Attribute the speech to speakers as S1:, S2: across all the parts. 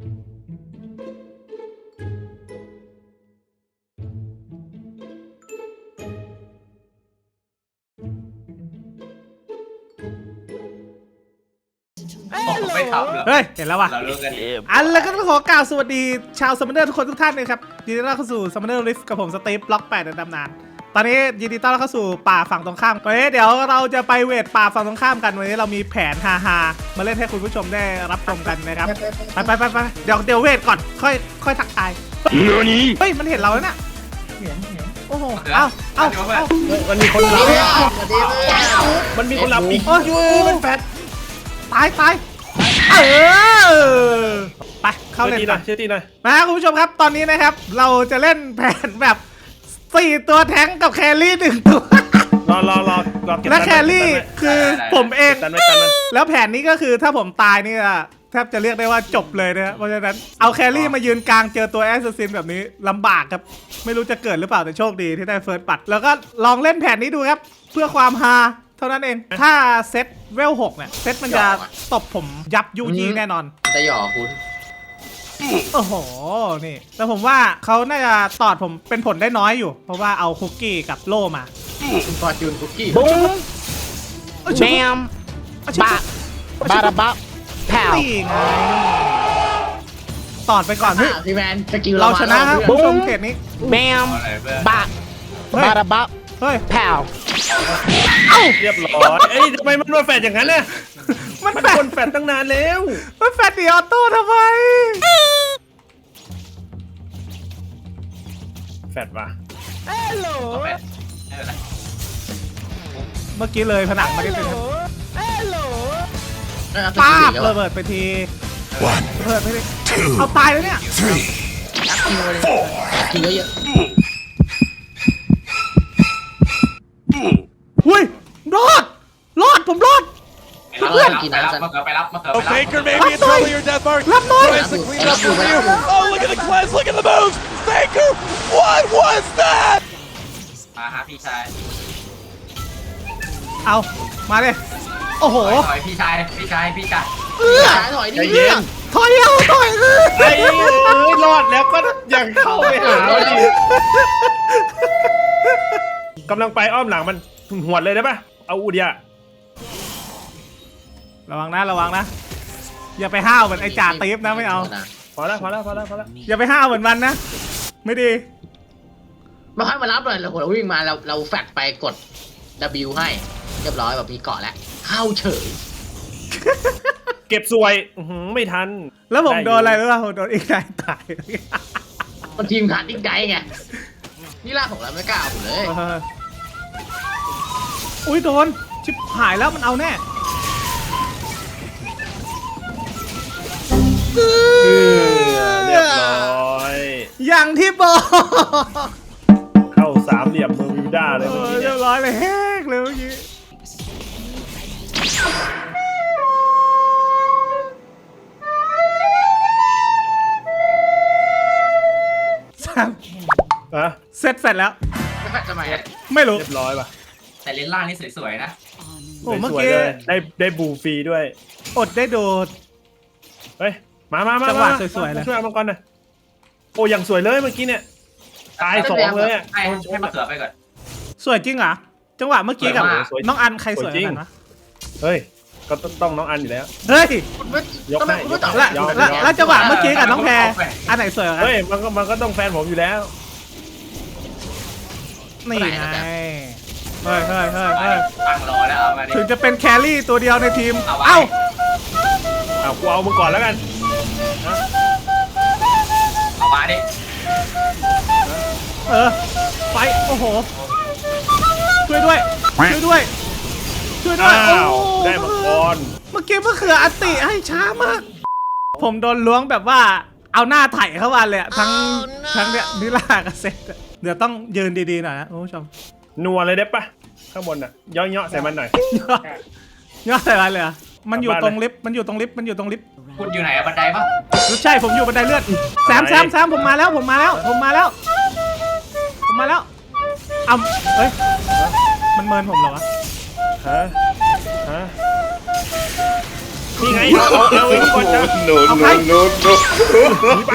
S1: ไม่ทำหรอ
S2: เฮ้ยเห็นแล้วว่ะ
S1: เรารู้กันเอง
S2: แล้วก็ต้องขอกล่าวสวัสดีชาวซัมเมอร์ทุกคนทุกท่านเลยครับยินดีต้อนรับเข้าสู่ซัมเมอร์ลิฟกับผมสตีฟบล็อก8ในตำนานตอนนี้ยินดีต้อนรับเข้าสู่ป่าฝั่งตรงข้ามวันนี้เดี๋ยวเราจะไปเวทป่าฝั่งตรงข้ามกันวันนี้เรามีแผนฮาๆมาเล่นให้คุณผู้ชมได้รับชมกันนะครับไปเดี๋ยวเวทก่อนค่อยทักทายเฮ้ยมันเห็นเราแล้วน่ะโอ้โหเอา
S3: มันมีคนรับมันมีคนรับอีก
S2: โอ้ยมันแฟดตายไปเข้าเล่น
S3: ชื่อตีหน่อย
S2: มาคุณผู้ชมครับตอนนี้นะครับเราจะเล่นแผนแบบ4ตัวแท้งกับแครี่1ตัว
S3: รอ
S2: และแครี่คือผมเอง
S3: ตัน
S2: แล้วแผนนี้ก็คือถ้าผมตายนี่แทบจะเรียกได้ว่าจบเลยนะเพราะฉะนั้นเอาแครี่มายืนกลางเจอตัวแอสซัสซินแบบนี้ลำบากครับไม่รู้จะเกิดหรือเปล่าแต่โชคดีที่ได้เฟิร์สบัตแล้วก็ลองเล่นแผนนี้ดูครับเพื่อความฮาเท่านั้นเองถ้าเซตเวล6เนี่ยเซตมันจะตบผมยับยุยี่แน่นอน
S1: จะหยอกคุณ
S2: โอ้โหนี่แต่ผมว่าเขาน่าจะตอดผมเป็นผลได้น้อยอยู่เพราะว่าเอาคุกกี้กับโล่มา
S1: คุณฟอร์จูนคุกกี้
S4: บูมแมมบะบาระบะแผ่ว
S2: นี่ไงตอดไปก่อนพี่
S1: พี่แมนสกิล
S2: เราชนะครับผู้ชมเขตนี้
S4: แมมบะบาระบะ
S2: เฮ้ย
S4: แผ่ว
S3: เรียบร้อยเอ้ยทำไมมันมาแฟดอย่างนั้นเนี่ย
S2: มัน
S3: มัน
S2: แฟด
S3: คนแฟดตั้งนานแล้ว
S2: มันแฟดดีออโต้ทำไม
S3: แฟดว่ะ
S2: เมื่อกี้เลยผนังมาได้เป็น
S1: ป้า
S2: ป้า
S1: บ
S2: บระเบิดไปทีระเบิดไปทีเอาตายแล้วเนี่ย
S1: กินเยอะ
S2: หุ้ยรอดผมรอด
S1: เพื่อนกินน้ำไปรับมาเกิด
S5: Faker maybe it's early your death mark.
S2: รับหน่อย
S5: Tries to clean up the rear. Oh, look at the cleanse. Look at the moves. Faker, what was that?
S1: มาฮะพี่ชาย
S2: เอามาเลยโอ้โห
S1: ถอยพี่ชาย ถอย
S3: ใจเย็น
S2: ถอย
S3: ไอ้รอดแล้วก็ยังเข้าไปหาดิกำลังไปอ้อมหลังมันหวดเลยได้ปะเอาอูเดีย
S2: ระวังนะอย่าไปห้าวเหมือนไอ้จ่าตีฟนะไม่เอา
S3: พอแล้ว
S2: อย่าไปห้าวเหมือนมันนะไม่ดี
S1: มาค่อยมารับเลยเราวิ่งมาเราแฟดไปกด W ให้เรียบร้อยแบบมีเกาะแล้วเข้าเฉย
S3: เก็บสวยไม่ทัน
S2: แล้วผมโดนอะไรรู้ป่ะผมโดนอีกนายตาย
S1: มันทีมขาดอีกไกไงนี่ล่าของเราไม่กล้าเอาเลย
S2: อุ้ยโดนชิบหายแล้วมันเอาแน่
S3: เรียบร้อย
S2: อย่างที่บอก
S3: เข้าสามเหลี่ยมเบอร์มิวด้าเลยเมื่อกี้
S2: เรี
S3: เนี่ย
S2: ยบร้อยเลยแฮกเลยเมื่อกี้
S3: อะ
S2: เสร็จแล้ว
S1: ไม่แฟดทำไม
S2: ไม่รู้
S3: เรียบร้อยป่ะ
S1: แต่เลนล่างนี่สวยๆนะ
S2: โอ้เมื่อ
S3: สวย
S2: กี้
S3: ๆเลยได้บูฟรีด้วย
S2: อดได้โดด
S3: เฮ้ยมา
S2: จังหวะสวยๆเลย
S3: ช่วยเอามังกรหน่อยโอ้ยังสวยเลยเมื่อกี้เนี่ยตายสองเลยอ่ะ
S1: ให้มาเขือไปก่อน
S2: สวยจริงเหรอจังหวะเมื่อกี้กับ
S3: สวยมาก
S2: น้องอันใครสวยกว่ากันวะ
S3: เฮ้ยก็ต้องน้องอันอยู่แล้ว
S2: เฮ้ย
S3: ยกให้
S1: คุณไม่ตอบ
S2: แล้วจังหวะเมื่อกี้กับน้องแพรอันไหนสวยกว่ากัน
S3: เฮ้ยมันก็ต้องแฟนผมอยู่แล้ว
S2: นี่ไงเฮ้ย
S1: ตั้งรอแล้วเอามาดิ
S2: ถึงจะเป็นแครี่ตัวเดียวในทีม
S1: เอาไว้
S3: เอากูเอามึงก่อนแล้วกัน
S1: เอามาดิ
S2: ไปโอ้โหช่วยด้วย
S3: อ้า
S2: โอ้
S3: วได้มังกร
S2: เมื่อกี้มะเขืออัตติให้ช้ามาก ผมโดนล้วงแบบว่าเอาหน้าไถเข้ามาเลยอะทั้งเนี่ยนิลากับเซตอะเดี๋ยวต้องยืนดีๆหน่อยนะคุณผู้ชม
S3: นัวเลยได้ปะข้างบนอ่ะย่อใส่มันหน่อย
S2: ยอดอะไรเลยอะมันอยู่ตรงลิฟต์มันอยู่ตรงลิฟต์
S1: คุณอยู่ไหนอะบันไดปะ
S2: ใช่ผมอยู่บันไดเลื่อนแซมผมมาแล้วเอาเฮ้ยมันเมินผมเหรอวะ
S3: ฮะนี่ไงเอาไอ้นี่ก่อนจ้ะ
S5: No, no, no, no.
S3: หนีไป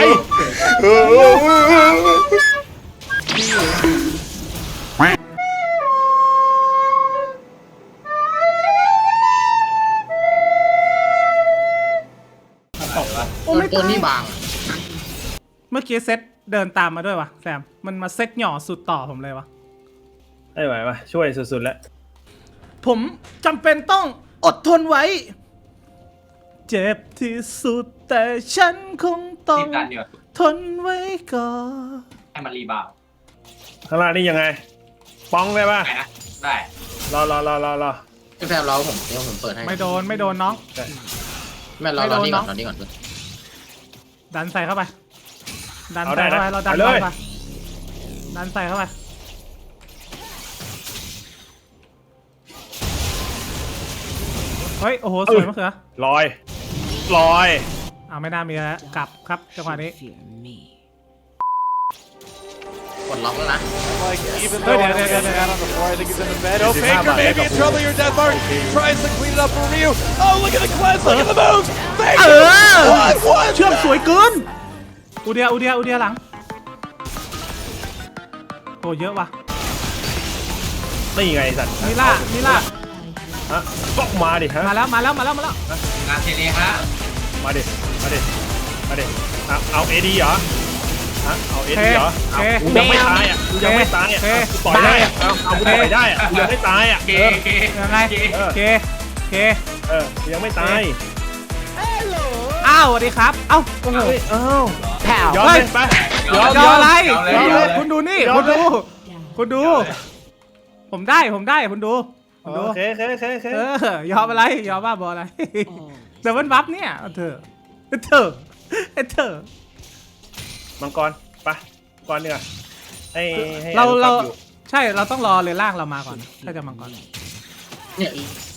S1: ตัวนี้บาง
S2: เมื่อกี้เซตเดินตามมาด้วยวะแซมมันมาเซตหย่อสุดต่อผมเลยวะ
S3: ไม่ไหววะช่วยสุดๆแล้ว
S2: ผมจำเป็นต้องอดทนไว้ เจ็บที่สุดแต่ฉันคงต้อง
S6: รีบดันเดี๋ยว
S2: ทนไว้ก่อน
S6: ให้มันรีบาวด์
S3: ข้างล่างนี่ยังไงป้องได้ป่ะ
S6: ไหนนะ ได้
S3: รอ
S1: พี่แฟมรอผมเดี๋ยวผมเปิดให้
S2: ไม่โดนน้อง
S1: แม่รอ
S2: ไม่โดน
S1: นี่ก่อน
S2: เนอะ
S1: รอนี่ก่อน
S2: ดันใส่เข้าไป ดันใส่เข้าไปเราดันเข้าไปดันใส่เข้าไปเฮ้ยโอ้โหสวยมากเลย
S3: ลอย
S2: เอาไม่น่ามีแล้วกลับครับจังหวะนี้
S1: กดล็อกแล้วนะ
S5: Like, even
S2: Hey,
S5: though I
S2: there,
S5: don't
S2: there,
S5: get
S2: there,
S5: down
S2: there.
S5: on the floor, I think he's in the bed. Oh,
S3: This is
S5: Faker
S3: how
S5: may
S3: I
S5: be in
S3: go.
S5: trouble here. Deathmark tries to clean it up for Ryu. Oh, look at the cleanse. Look at the moves.
S2: เอ
S5: Faker.
S2: อ
S5: What?
S2: เชื่อมสวยเกินอูเดียหลังโอ้เยอะว่ะ
S3: นี่ไงสัตว์
S2: มิล่า
S3: ฮะก็มาดิฮะ
S2: มาแล้ว
S6: งานเทเลฮะ
S3: มาดิเอาเอดีเหรอฮะเอาเอดีเหรอกูยังไม่ตายอ่ะกูยังไม่ตายอ่ะกูต่อยได้อ่ะเอากูต่อยได้อ่ะกูยังไม่ตายอ่ะ
S6: เกเก
S2: ยังไงเค
S3: กูยังไม่ตาย
S2: อ้าวสวัสดีครับเอ้าโอ้โห
S4: แผ่ว
S3: ย้อนเลยไป
S2: ยออะไร
S6: เอาเลย
S2: คุณดูนี่คุณดู ผมได้คุณดู
S3: โอเค
S2: ยอมอะไรยอมบ้าบออะไรเดี๋ยวมันบัฟเนี่ยเธอ
S3: มังกรไปก่อนเนีกว่ยให้
S2: เรา
S3: อนุภพอยู่
S2: ใช่เราต้องรอเลยล่างเรามาก่อนถ้าจะมังกร
S1: เนี่ย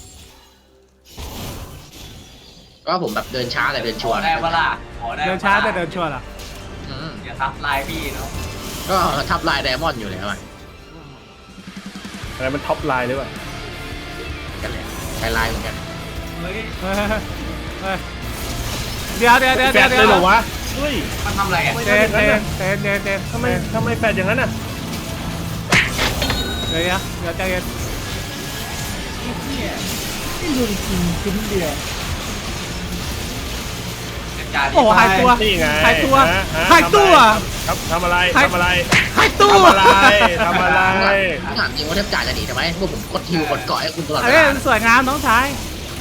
S1: ก็ผมแบบเดินช้าแต่เดิน
S6: ข
S1: ชัว
S6: อ
S1: ร์
S6: ได้ปะล่ะขอได้
S2: เดินช้าแต่เดินชัวร์เหรอ
S1: อืม
S6: อย่าทับลายพี่เนาะ
S1: ก็ทับลายไดมอนด์อยู่แล้วอะ
S3: อะไรมันท็อปไลน์หรือเปล่า
S1: กันเลยไฮไลน์เหมือนกัน
S6: เฮ้ย
S2: เฮ้ยเดี๋ยว
S3: แฟดเลยเหรอวะเฮ้ย
S6: มันทำอะไรอ่ะ
S2: เต้น
S3: ทำไมแฟดอย่างนั้นอ่ะ
S2: เดี๋ยวใจเย็น
S6: จัดการ
S2: โอ้หายตัว
S3: นี่ไง
S2: หายตัว
S3: ฮะ
S2: หายตัว
S3: ทำอะไร
S2: หายตัว
S3: ทำอะไร
S1: ผมถามจริงว่าเทพจ่าจะหนีทำไมเมื่อผมกดฮิวกดเกาะให้คุณตลอดเว
S2: เอ้ย
S1: ลา
S2: สวยงามน้องชาย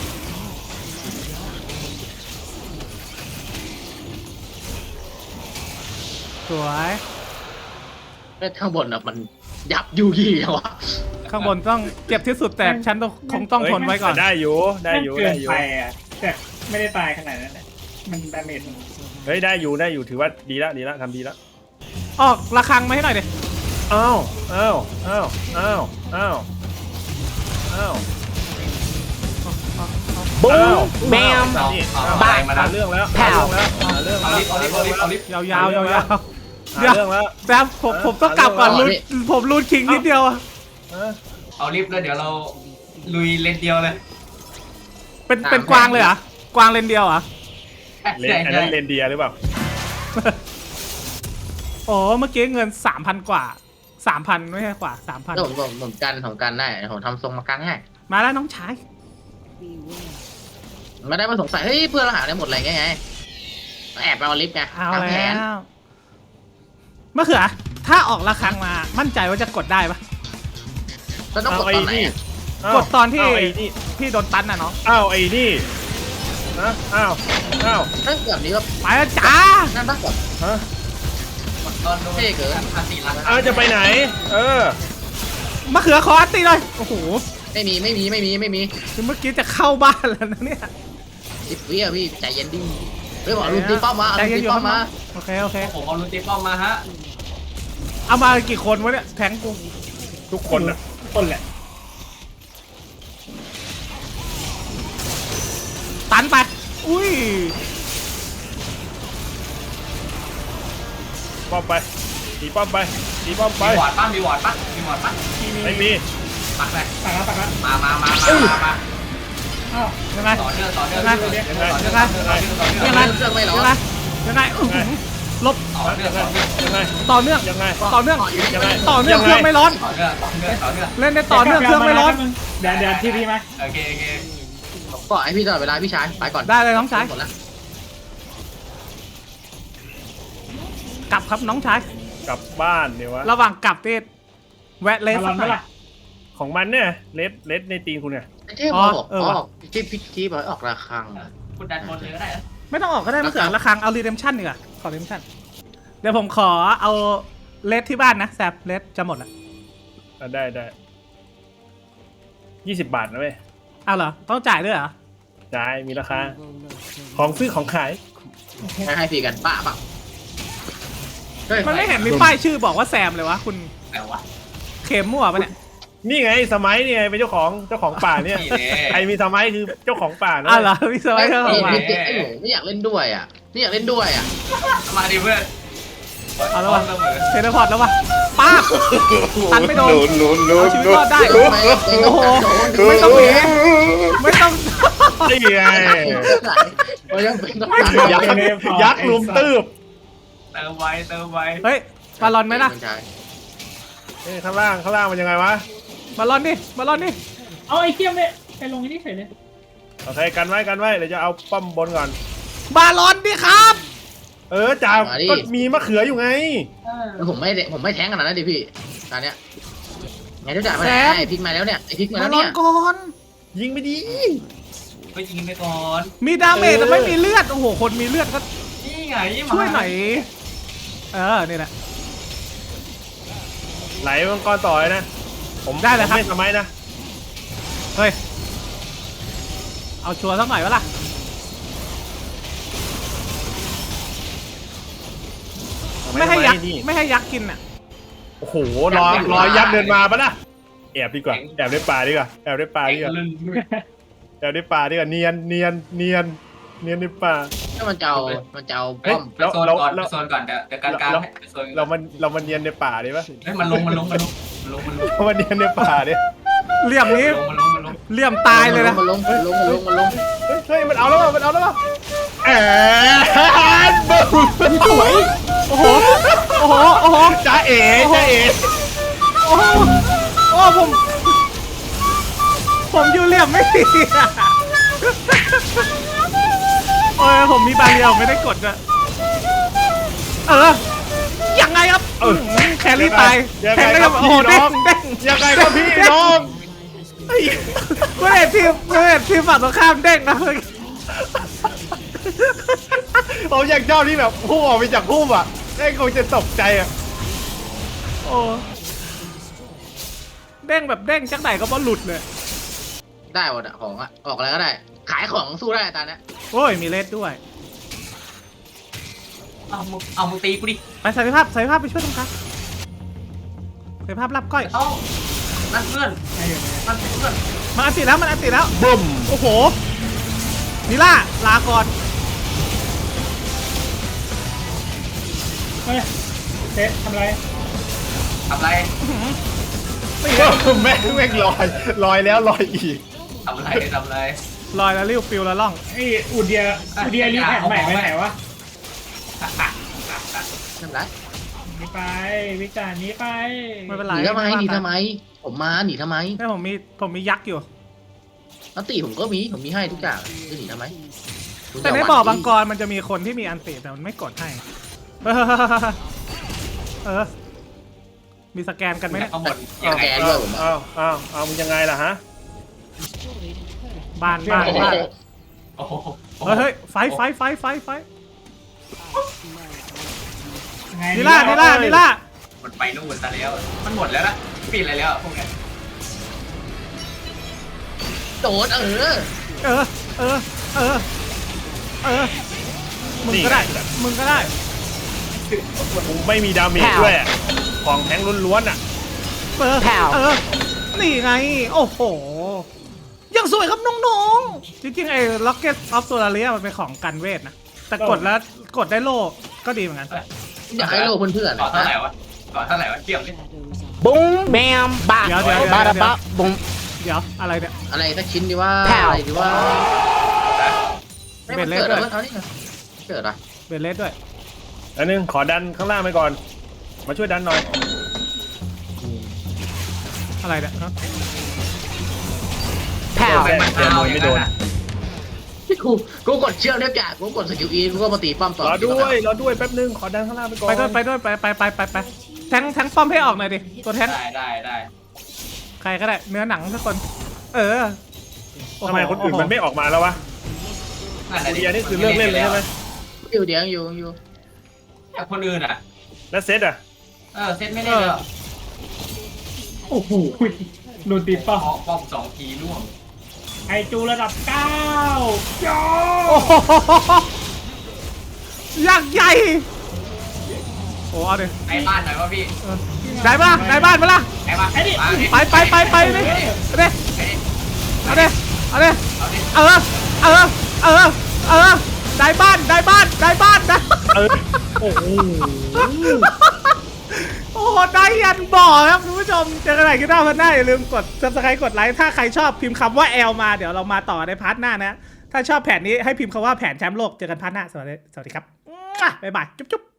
S2: สวย
S1: แล้วข้างบนอะมันยับยูยี่เหรอวะ
S2: ข้างบนต้องเจ็บที่สุดแต่ฉันคงต้องทนไว้ก่อน
S3: ได้อยู่
S7: เกินไปอ่ะแต่ไม่ได้ตายขนาดนั้นแหละมันดาเมจ
S3: เฮ้ยได้อยู่ถือว่าดีละทำดีละ
S2: ออกระฆังมาให้หน่อยดิ
S3: อ้าว
S4: บูมแบม
S3: นี่
S6: เอาอะไรมาดัน
S3: เรื่องแล้ว
S6: เอาลิฟต์
S2: ยาวๆเดี๋ยว
S3: เรื่องแล้ว
S2: แต่ผมต้องกลับก่อนผมรูดคิงนิดเดียวอะ
S6: เอาลิฟต์แล้วเดี๋ยวเราลุยเลนเดียวเลย
S2: เป็นกวางเลยเหรอกวางเลนเดียวเหรอ
S3: เลนอันนั้นเลนเดียหรือเปล่า
S2: โอ้เมื่อกี้เงิน 3,000 กว่า 3,000 ไม่ใช่กว่า 3,000
S1: แล้วผมกันได้ผมทำทรงมากันให้
S2: มาแล้วน้องชาย
S1: ไม่ได้มาสงสัยเฮ้ยเพื่อนเราหาได้หมดอะไรไงแอบไปเอาลิฟต์ไง
S2: เอา
S1: ตามแผ
S2: แล้
S1: น
S2: วมะเขือถ้าออกระฆังมามั่นใจว่าจะกดได้ปะ
S1: แล้วต้องกดตอนไหนอะ
S2: กดตอนที่
S3: อ้าวไอ้นี่
S2: พี่โดนตันน่ะเนาะ
S3: อ้าวไอ้นี่นะอ้าว
S1: ถ้าแบบนี้ก็
S2: ไปแล้วจ้า
S1: นั่นต้องกด
S3: ฮะ
S6: ตอนโดน
S1: เท่เกิน
S6: อันตีลัง
S3: อ้าวจะไปไหน
S2: มะเขือขออัตตีเลยโอ้โห
S1: ไม่มี
S2: คือเมื่อกี้จะเข้าบ้านแล้วนะเนี่ย
S1: 10 วิอะพี่ใจเย็นดิเฮ้ยบอกลุงตีป้อมมาเอา
S2: ใจ
S1: ลุง
S2: เย็น
S1: ตี
S2: อยู่
S1: ป้อมมา
S2: โอเค
S6: ผมเอาลูติป้อมมาฮะ
S2: เอามากี่คนวะเนี่ยแทงกู
S3: ทุกคนอ่ะ
S7: คนแหละ
S2: ตันไปอุ้ย
S3: ป้อมไปตีป้อมไป
S6: มีวอร์ดปั้นมีวอร์ดปั้น
S3: ไม่มี
S6: ปักเลย
S7: ปักแล้ว
S6: มา
S7: อ้าว
S2: ยังไง
S6: ต่อเนื่องต่อเนื่อง
S2: ยังไง
S6: ต่อเนื่องต่อ
S2: ยัง
S6: เนื่อง
S2: ไง
S6: ต่อเนื่องต่อเนื่อง
S2: ยังไง
S1: เครื่องไม่ร้อ
S2: ยัง
S1: น
S2: ไงยังไงลบ
S6: ต่อเนื่องต่อเนื่อง
S3: ยังไง
S2: ต่อเนื่อง
S3: ยังไง
S2: ต่อเนื่อง
S3: ยังไง
S2: ต่อเนื่องเครื่องไม่ร้อน
S6: ต่อเนื่องต่อเนื่องต่อเนื่อง
S2: เล่นได้ต่อเนื่องเครื่องไม่ร้อน
S7: เดี๋ยวทีพีมา
S6: โอเคโอเค
S1: ผมก็ให้พี่ตลอดเวลาพี่ชายไปก่อน
S2: ได้เลยน้องชาย
S1: หมดแล้ว
S2: กลับครับน้องชาย
S3: กลับบ้านเดี๋ยววะ
S2: ระหว่างกลับที่แวะเลส
S7: มาล
S2: สั
S7: อก น
S2: หน่
S7: เมื่
S2: อย
S7: อไหร่
S3: ของมันเนี่ยเลสในตีนคุณเนี่ย
S1: ไอ้เทพบอก
S2: เออ
S1: อ
S2: ว่ะ
S1: อกที่พี่ที่บอกให้ออกระฆัง
S6: คุณดันบนเลยก็ได้นะ
S2: ไม่ต้องออกก็ได้ไม่เสียราคาเอารีเดมชั่นดีกว่าขอรีเดมชั่นเดี๋ยวผมขอเอาเลสที่บ้านนะแซบเลสจะหมดละ
S3: ได้20 บาทนะเว้ย
S2: เอาเหรอต้องจ่ายด้วยเหรอ
S3: จ่ายมีราคา ของซื้อของขาย
S1: ให้ฟรีกันป้าเปล่าเฮ้ย
S2: มันไม่เห็นมีป้ายชื่อบอกว่าแซมเลยวะคุณ
S6: แต่ว่า
S2: เข็มมั่วปะเนี่ย
S3: นี่ไงสมัยนี่ไงเป็นเจ้าของป่าเนี่ย
S6: นี่แน่
S3: ใครมีสมัยคือเจ้าของป่านะ
S2: อ้าวเหรอพี่สมัยเขาบอกว่า
S1: ไอ้หนูไม่อยากเล่นด้วยอ่ะไม่อยากเล่นด้วยอ่ะ
S6: มาดิเพื่อน
S2: เอาแล้ววะ
S6: เสมอ
S2: เทเลพอร์ตแล้ววะป้าบตันไม่โดนเอาชีวิตรอดได้
S1: โอ้โห
S2: ไม่ต้องหนีไม่ต้อง
S3: นี่ไง
S1: โอ้ยยังเป็นต้อง
S3: ยักษ์ลุมตืบ
S6: เติมไว้เติมไว้
S2: เฮ้ยบาลอนไหมล่ะ
S3: ข้างล่างมันยังไงวะ
S2: บาลอนดิบาลอนดิ
S7: เอาไอ้เทียมเนี่ยไปลงไอ้นี่เฉยเลย
S3: โอเคกันไว้เดี๋ยวจะเอาป้อมบนก่อน
S2: บาลอนดิครับ
S3: จ่าก็มีมะเขืออยู่ไง
S1: ผมไม่แท้งขนาดนั้นดิพี่ตอนเนี้ยไงทุกอย่างมาไหนไอ้พริกมาแล้วเนี่ยไอ้พริกมา
S2: บา
S1: แล้ว
S2: ลอ
S1: เนี่
S2: น
S1: ย
S2: ก่อน
S3: ยิงไปดี
S6: ไปยิงไปก่อน
S2: มีดาเมจแต่ไม่มีเลือดโอ้โหคนมีเลือดก็
S6: นี่ไง
S2: ช่วยหน่อยนี่แหละ
S3: ไหลมังกรต่อเลยนะ ผม
S2: ได้เลยครับ
S3: ไม่สมัยนะ
S2: เฮ้ยเอาชัวร์สักหน่อยวะล่ะไม่ให้ยักษ์
S3: นี่
S2: ไม่ให้ยักษ์กินอ่ะ
S3: โอ้โหรอยักษ์เดินมาปะนะแอบดีกว่าแอบในป่าดีกว่าแอบในป่าดีกว่า
S6: ลื่น
S3: แอบในป่าดีกว่าเนียนในป่า
S1: ถ้ามันจะเอาป้อม
S6: ไปโซนก่อนไปโซนก่อนเดี๋ยวกลางๆไปโซน
S3: เรามันเนียนในป่าดีปะ
S6: เฮ้ยมันลง
S3: มันเนียนในป่าดิ
S2: เหลี่ยมนี้
S6: มันลง
S2: เหลี่ยมตายเลยนะ
S1: มันลง
S3: เฮ้ยมันเอาแล้วแอบบึ้มสวย
S2: โอ้โหโอ้โห
S3: จ้าเอ๋
S2: โอ้โหโอ้ผมอยู่เหลี่ยมไม่ดีอะโอ้ยผมมีบางเดียวไม่ได้กดอะยังไงครับแครี่ตายแครี่ครับโอ้โหเด้ง
S3: ยังไงครับพี่น้อง
S2: เพื่อนทีมฝั่งตรงข้ามเด้งนะ
S3: ผมอยากชอบที่แบบพุ่งออกไปจากพุ่มอ่ะได้คงจะตกใจอ่ะ
S2: โอ้เด้งแบบเด้งจังไหนก็บ่หลุดเลย
S1: ได้หมดอะของอะออกอะไรก็ได้ ขายของสู้ได้ตอนนี้
S2: โอ้ยมีเลสด้วย
S6: เอามึงตีกูดิ
S2: ไปใส่ภาพไปช่วยตรงกลางใส่ภาพรับก้อย
S6: เอ้านั่นเพื่อนนั่นเพื่อน
S2: มันอันติดแล้ว
S3: บึ้ม
S2: โอ้โหนิล่าลาก่อน
S7: เฮ้ยเจ๊ทำไร
S6: ทำไร
S3: แม่งลอยแล้วลอยอีก
S6: ทำไร
S2: ลอยแล้วริ้วปิวแล้วล่อง
S7: ไอ้อูเดียรีแพคใหม่ไปไหนวะ
S1: นั่นไร
S7: หนีไปวิจารณ์หนี้ไป
S2: ไม่เป็น
S1: ห
S2: ไร
S1: นีทำไมผมมาหนีทำไม
S2: แม่ผมมียักษ์อยู่
S1: อันตีผมก็ผมมีให้ทุกอย่างจะหนีทำไม
S2: แต่ในบ่อบางกรมันจะมีคนที่มีอันติแต่มันไม่กดให้มีสแกนกันไหมเนี่ย
S6: ข้างบนยังไง
S3: เอามึงยังไงล่ะฮะ
S2: บ้าน
S6: โอ้โห
S2: เฮ้ยไฟ
S7: ไง
S2: นิล่า
S6: มันไปนู่นซะแล้วมันหมดแล้วนะปิดอะไรแล้วพวกนี้
S1: โดน
S2: มึงก็ได้
S3: กูไม่มีดาเมจด้วยของแทงล้วนๆอ่ะ
S2: นี่ไงโอ้โหยังสวยครับน้องๆจริงๆไอ้ Rocket of Solaria มันเป็นของกันเวทนะแต่กดแล้วกดได้โล่ก็ดีเหมือนกัน
S1: อยากให้โลเพื่อน
S6: ก่อนเท่าไหร่วะเทียบดิ
S4: Boom, bam, bop,
S2: Yeah.
S4: bada bop, boom.
S2: เดี๋ยวอะไรเนี่ย
S1: อะไรสักชิ้นดีว่า
S4: แผ่ว
S1: อะไรดีว่าไม่
S2: เป็
S1: มัน น
S2: เล็ก
S1: เกิด
S2: ด้
S1: อะ
S2: วย
S1: ไรเอานี่ไงเกิดอะไร
S2: เบลเลสด้วย
S3: อันนึงขอดันข้างล่างไปก่อน มาช่วยดันหน่อย
S2: อะไรเนี่ยฮะ
S4: แผ่ว
S3: แม่เจอมวยไม่โดน
S1: กูกดเชือกเรียบจ่ากูกดสกิลอีกูก็มาตีป้อมต่อ
S3: รอด้วยแป๊บนึงขอดันข้างล่างไปก่อน
S2: ไปด้วยไปแทงป้อมให้ออกหน่อยดิตัวแทง
S6: ได้
S2: ใครก็ได้เนื้อหนังทุกคน เออโอ้โห
S3: ทำไมคนอื่นมันไม่ออกมาแล้ววะ
S6: นั่นแหละ
S3: เดียนี่คือเลิกเล่นเลยใช่ไหม
S1: อยู่เดี๋ยวอยู่
S6: แต่คนอื่นอ่ะ
S3: แล้วเซตอ่ะ
S6: เซตไม่เล่นแล้ว
S7: โอ้โหโดนตีป้อม
S6: ป้อม2 ทีร่วง
S7: ไอจูระดับ9ยอ
S2: โอ้โหยักษ์ใหญ่โอ้เอาดิ
S6: ไอ้บ้านหน่อยวะพี่
S2: ได้ปะได้บ้านปะล่ะ
S6: ไอ้บ้าน
S2: ไปดิเอาดิเอาดิ
S6: เอาดิ
S2: เออได้บ้านได้
S3: เออโอ้โห
S2: โอ้โหได้ยันบ่อครับคุณผู้ชมเจอกันใหม่คลิปหน้าพันหน้าอย่าลืมกด subscribe กดไลค์ถ้าใครชอบพิมพ์คำว่า L มาเดี๋ยวเรามาต่อในพาร์ทหน้านะถ้าชอบแผนนี้ให้พิมพ์คำว่าแผนแชมป์โลกเจอกันพาร์ทหน้าสวัสดีครับบ๊ายบายจุ๊บ